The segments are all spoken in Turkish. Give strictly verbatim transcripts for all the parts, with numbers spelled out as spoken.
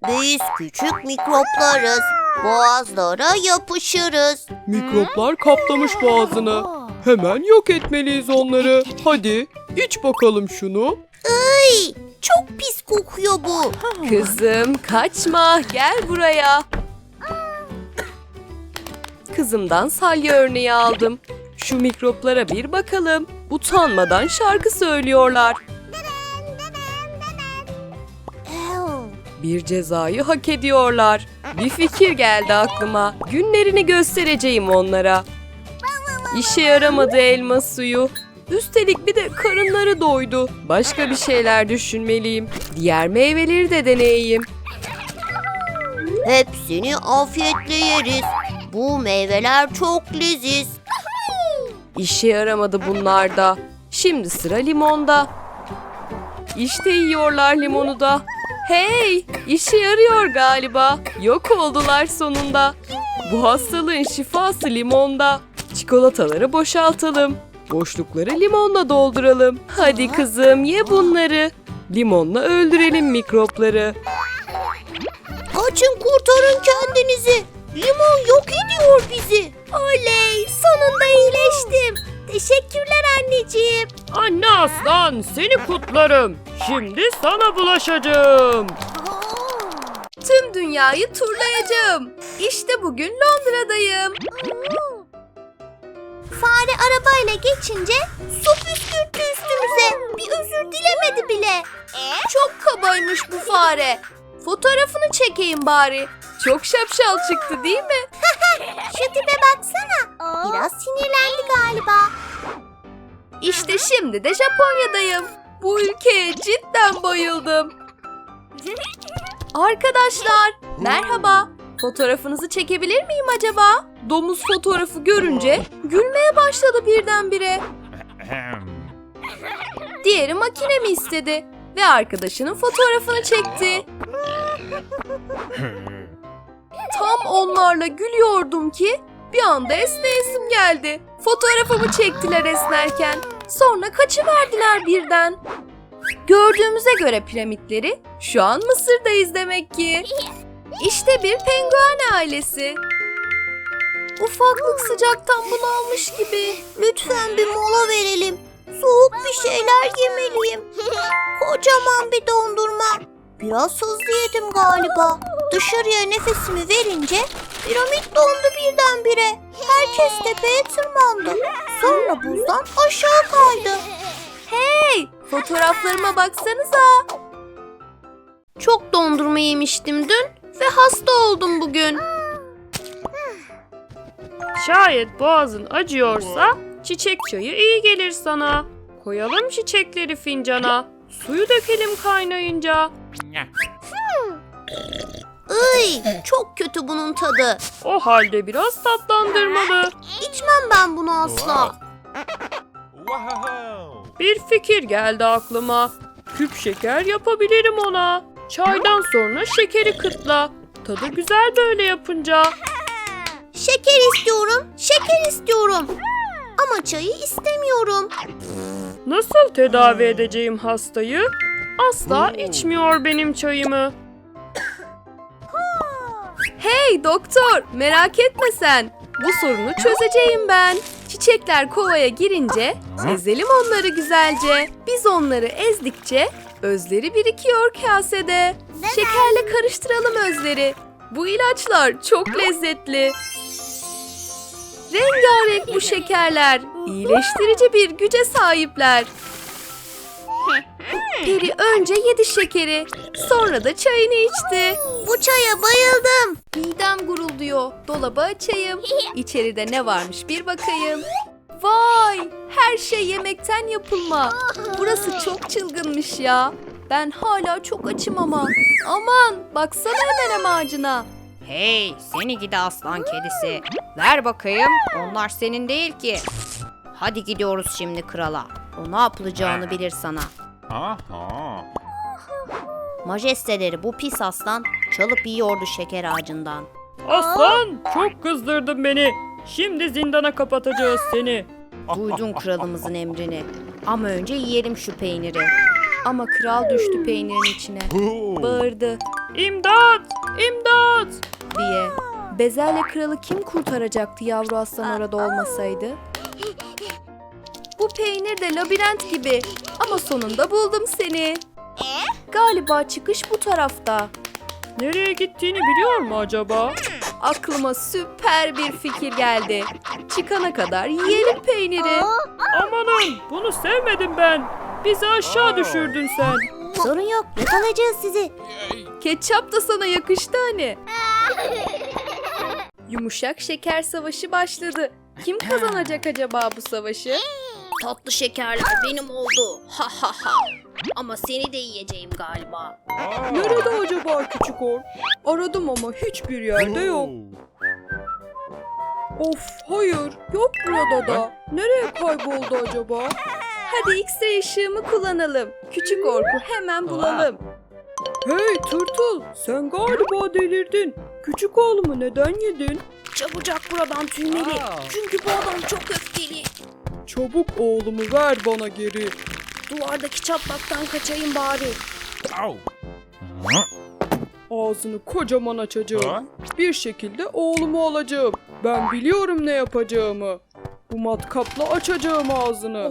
Biz küçük mikroplarız. Boğazlara yapışırız. Mikroplar kaplamış boğazını. Hemen yok etmeliyiz onları. Hadi iç bakalım şunu. Ay, çok pis kokuyor bu. Kızım kaçma, gel buraya. Kızımdan salya örneği aldım. Şu mikroplara bir bakalım. Utanmadan şarkı söylüyorlar. Bir cezayı hak ediyorlar. Bir fikir geldi aklıma. Günlerini göstereceğim onlara. İşe yaramadı elma suyu. Üstelik bir de karınları doydu. Başka bir şeyler düşünmeliyim. Diğer meyveleri de deneyeyim. Hepsini afiyetle yeriz. Bu meyveler çok leziz. İşe yaramadı bunlar da. Şimdi sıra limonda. İşte yiyorlar limonu da. Hey, işe yarıyor galiba. Yok oldular sonunda. Bu hastalığın şifası limonda. Çikolataları boşaltalım. Boşlukları limonla dolduralım. Hadi kızım ye bunları. Limonla öldürelim mikropları. Kaçın, kurtarın kendinizi. Limon yok ediyor bizi. Oley, sonunda iyileştim. Teşekkürler anneciğim. Anne aslan, seni kutlarım. Şimdi sana bulaşacağım. Tüm dünyayı turlayacağım. İşte bugün Londra'dayım. Fare arabayla geçince su püskürttü üstümüze. Bir özür dilemedi bile. Çok kabaymış bu fare. Fotoğrafını çekeyim bari. Çok şapşal çıktı değil mi? Şu tipe baksana. Biraz sinirlendi galiba. İşte şimdi de Japonya'dayım. Bu ülkeye cidden bayıldım. Arkadaşlar, merhaba. Fotoğrafınızı çekebilir miyim acaba? Domuz fotoğrafı görünce gülmeye başladı birdenbire. Diğeri makinemi istedi ve arkadaşının fotoğrafını çekti. Tam onlarla gülüyordum ki bir anda esneyesim geldi. Fotoğrafımı çektiler esnerken. Sonra kaçıverdiler birden. Gördüğümüze göre piramitleri şu an Mısır'dayız demek ki. İşte bir penguen ailesi. Ufaklık sıcaktan bunalmış gibi. Lütfen bir mola verelim. Soğuk bir şeyler yemeliyim. Kocaman bir dondurma. Biraz hızlı yedim galiba. Dışarıya nefesimi verince piramit dondu birdenbire. Herkes tepeye tırmandı. Sonra buzdan aşağı kaydı. Hey, fotoğraflarıma baksanıza. Çok dondurma yemiştim dün ve hasta oldum bugün. Şayet boğazın acıyorsa çiçek çayı iyi gelir sana. Koyalım çiçekleri fincana. Suyu dökelim kaynayınca. Iy, çok kötü bunun tadı. O halde biraz tatlandırmalı. İçmem ben bunu asla. Bir fikir geldi aklıma. Küp şeker yapabilirim ona. Çaydan sonra şekeri kıtla. Tadı güzel böyle yapınca. Şeker istiyorum, şeker istiyorum. Ama çayı istemiyorum. Nasıl tedavi edeceğim hastayı? Asla içmiyor benim çayımı. Hey doktor, merak etme sen. Bu sorunu çözeceğim ben. Çiçekler kovaya girince ezelim onları güzelce. Biz onları ezdikçe özleri birikiyor kasede. Şekerle karıştıralım özleri. Bu ilaçlar çok lezzetli. Rengarenk bu şekerler. İyileştirici bir güce sahipler. Peri önce yedi şekeri, sonra da çayını içti. Bu çaya bayıldım. Midem gurulduyor. Dolabı açayım. İçeride ne varmış bir bakayım. Vay! Her şey yemekten yapılma. Burası çok çılgınmış ya. Ben hala çok açım ama. Aman! Baksana hemen ağacına. Hey seni gidi aslan kedisi. Ver bakayım. Onlar senin değil ki. Hadi gidiyoruz şimdi krala. O ne yapılacağını bilir sana. Aha. Majesteleri, bu pis aslan çalıp yiyordu şeker ağacından. Aslan, çok kızdırdın beni. Şimdi zindana kapatacağız seni. Duydun kralımızın emrini. Ama önce yiyelim şu peyniri. Ama kral düştü peynirin içine. Bağırdı. İmdat! İmdat! diye. Bezelye kralı kim kurtaracaktı yavru aslan orada olmasaydı? Bu peynir de labirent gibi ama sonunda buldum seni. Galiba çıkış bu tarafta. Nereye gittiğini biliyor mu acaba? Aklıma süper bir fikir geldi. Çıkana kadar yiyelim peyniri. Amanın, bunu sevmedim ben. Bizi aşağı düşürdün sen. Sorun yok, yakalayacağız sizi. Ketçap da sana yakıştı hani. Yumuşak şeker savaşı başladı. Kim kazanacak acaba bu savaşı? Tatlı şekerler benim oldu. Ha ha ha. Ama seni de yiyeceğim galiba. Nerede acaba küçük or? Aradım ama hiçbir yerde yok. Of hayır, yok burada da. Nereye kayboldu acaba? Hadi X-ray ışığımı kullanalım. Küçük orku hemen bulalım. Hey tırtıl, sen galiba delirdin. Küçük oğlumu neden yedin? Çabucak buradan tüymeli. Çünkü bu adam çok öfkeli. Çabuk oğlumu ver bana geri. Duvardaki çatlaktan kaçayım bari. Ow. Ağzını kocaman açacağım. Bir şekilde oğlumu alacağım. Ben biliyorum ne yapacağımı. Bu matkapla açacağım ağzını.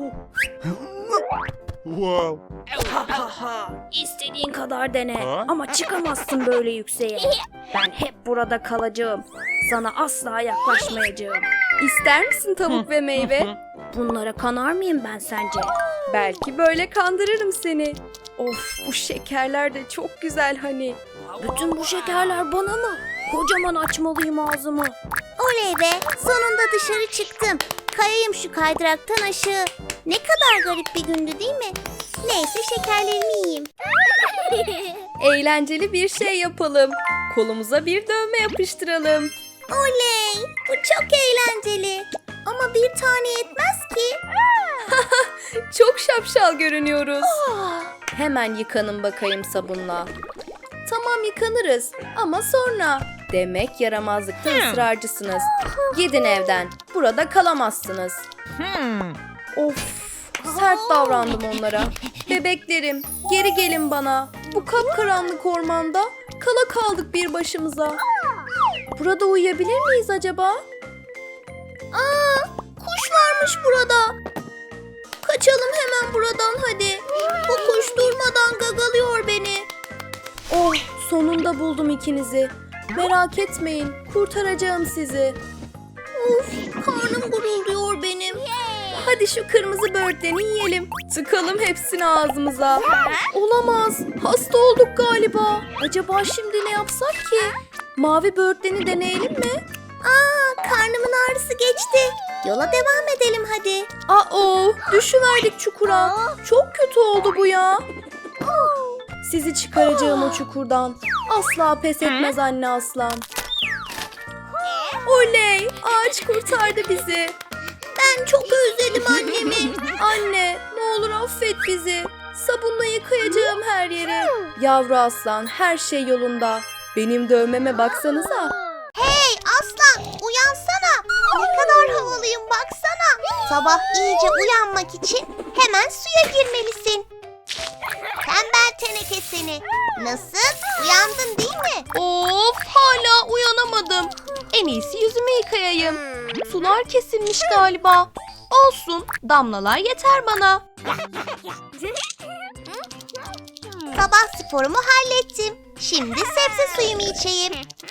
Wow. Ha ha ha. İstediğin kadar dene. Ha? Ama çıkamazsın böyle yükseğe. Ben hep burada kalacağım. Sana asla yaklaşmayacağım. İster misin tavuk ve meyve? Bunlara kanar mıyım ben sence? Belki böyle kandırırım seni. Of bu şekerler de çok güzel hani. Bütün bu şekerler bana mı? Kocaman açmalıyım ağzımı. Oley be, sonunda dışarı çıktım. Kayayım şu kaydıraktan aşağı. Ne kadar garip bir gündü değil mi? Neyse şekerlerimi yiyeyim. Eğlenceli bir şey yapalım. Kolumuza bir dövme yapıştıralım. Oley, bu çok eğlenceli. Ama bir tane yetmez ki. Çok şapşal görünüyoruz. Hemen yıkanın bakayım sabunla. Tamam yıkanırız ama sonra. Demek yaramazlıkta ısrarcısınız. Gidin evden. Burada kalamazsınız. Of, sert davrandım onlara. Bebeklerim, geri gelin bana. Bu kapkaranlık ormanda kala kaldık bir başımıza. Burada uyuyabilir miyiz acaba? Aa, kuş varmış burada. Kaçalım hemen buradan hadi. Bu kuş durmadan gagalıyor beni. Oh, sonunda buldum ikinizi. Merak etmeyin, kurtaracağım sizi. Of, karnım gurulduyor benim. Hadi şu kırmızı böğürtleni yiyelim. Tıkalım hepsini ağzımıza. Olamaz, hasta olduk galiba. Acaba şimdi ne yapsak ki? Mavi böğürtleni deneyelim mi? Aa, karnımın ağrısı geçti. Yola devam edelim hadi. Aa, düşüverdik çukura. Çok kötü oldu bu ya. Sizi çıkaracağım o çukurdan. Asla pes etmez anne aslan. Oley! Ağaç kurtardı bizi. Ben çok özledim annemi. Anne, ne olur affet bizi. Sabunla yıkayacağım her yeri. Yavru aslan, her şey yolunda. Benim dövmeme baksanıza. Hey aslan, uyansana. Ne kadar havalıyım baksana. Sabah iyice uyanmak için hemen suya girmelisin. Tembel teneke seni. Nasıl? Uyandın değil mi? Of, hala uyanamadım. En iyisi yüzümü yıkayayım. Sular kesilmiş galiba. Olsun, damlalar yeter bana. Sabah sporumu hallettim. Şimdi sebze suyumu içeyim.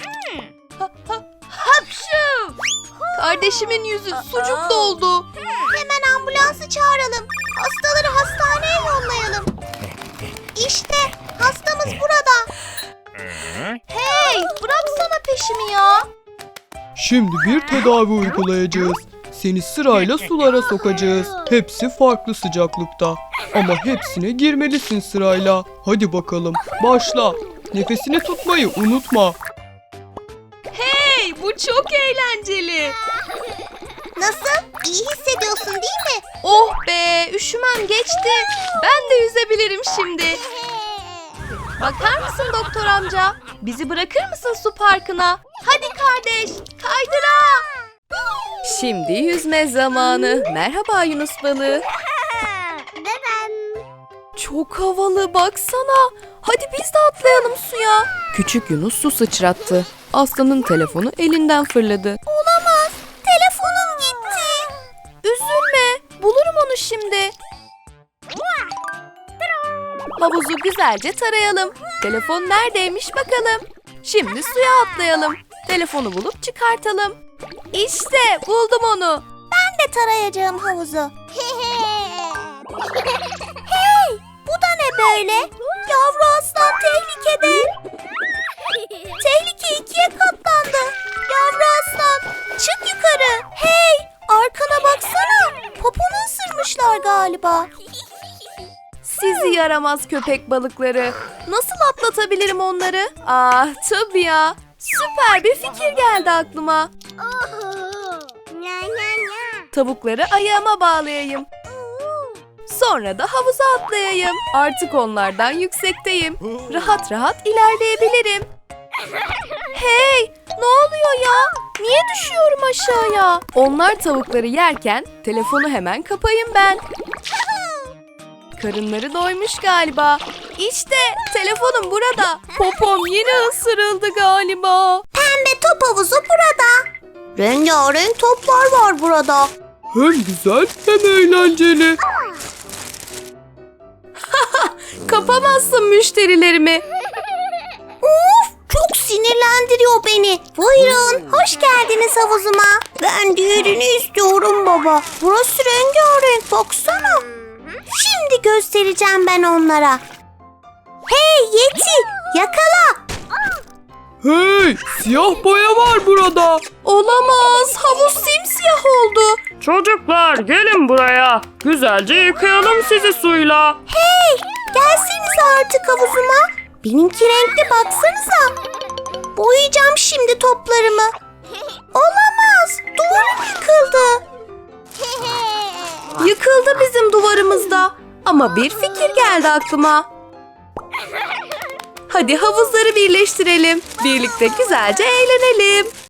Hapşu! Kardeşimin yüzü sucuk doldu. Hemen ambulansı çağıralım. Hastaları hastaneye yollayalım. İşte hastamız burada. Hey, bıraksana peşimi ya. Şimdi bir tedavi uygulayacağız. Seni sırayla sulara sokacağız. Hepsi farklı sıcaklıkta. Ama hepsine girmelisin sırayla. Hadi bakalım, başla. Nefesini tutmayı unutma. Hey, bu çok eğlenceli. Nasıl? İyi hissediyorsun değil mi? Oh be, üşümem geçti. Ben de yüzebilirim şimdi. Bakar mısın doktor amca? Bizi bırakır mısın su parkına? Hadi kardeş, kaydıra. Şimdi yüzme zamanı. Merhaba Yunus balığı. Çok havalı, baksana. Hadi biz de atlayalım suya. Küçük Yunus su sıçrattı. Aslanın telefonu elinden fırladı. Olamaz. Telefonum gitti. Üzülme, bulurum onu şimdi. Havuzu güzelce tarayalım. Telefon neredeymiş bakalım. Şimdi suya atlayalım. Telefonu bulup çıkartalım. İşte buldum onu. Ben de tarayacağım havuzu. Hey, bu da ne böyle? Yavru aslan tehlikede. Tehlike ikiye katlandı. Yavru aslan, çık yukarı. Hey, arkana baksana. Poponu ısırmışlar galiba. Sizi yaramaz köpek balıkları. Nasıl atlatabilirim onları? Ah tabii ya. Süper bir fikir geldi aklıma. Tavukları ayağıma bağlayayım. Sonra da havuza atlayayım. Artık onlardan yüksekteyim. Rahat rahat ilerleyebilirim. Hey, ne oluyor ya? Niye düşüyorum aşağıya? Onlar tavukları yerken telefonu hemen kapayım ben. Karınları doymuş galiba. İşte telefonum burada. Popom yine ısırıldı galiba. Pembe top havuzu burada. Rengarenk toplar var burada. Hem güzel hem eğlenceli. Kapamazsın müşterilerimi. Of, çok sinirlendiriyor beni. Buyurun, hoş geldiniz havuzuma. Ben diğerini istiyorum baba. Burası rengarenk, baksana. Şimdi göstereceğim ben onlara. Hey Yeti, yakala. Hey, siyah boya var burada. Olamaz. Havuz simsiyah oldu. Çocuklar gelin buraya. Güzelce yıkayalım sizi suyla. Hey, gelsenize artık havuzuma. Benimki renkli, baksanıza. Boyayacağım şimdi toplarımı. Olamaz, duvarım yıkıldı. Yıkıldı bizim duvarımızda. Ama bir fikir geldi aklıma. Hadi havuzları birleştirelim. Birlikte güzelce eğlenelim.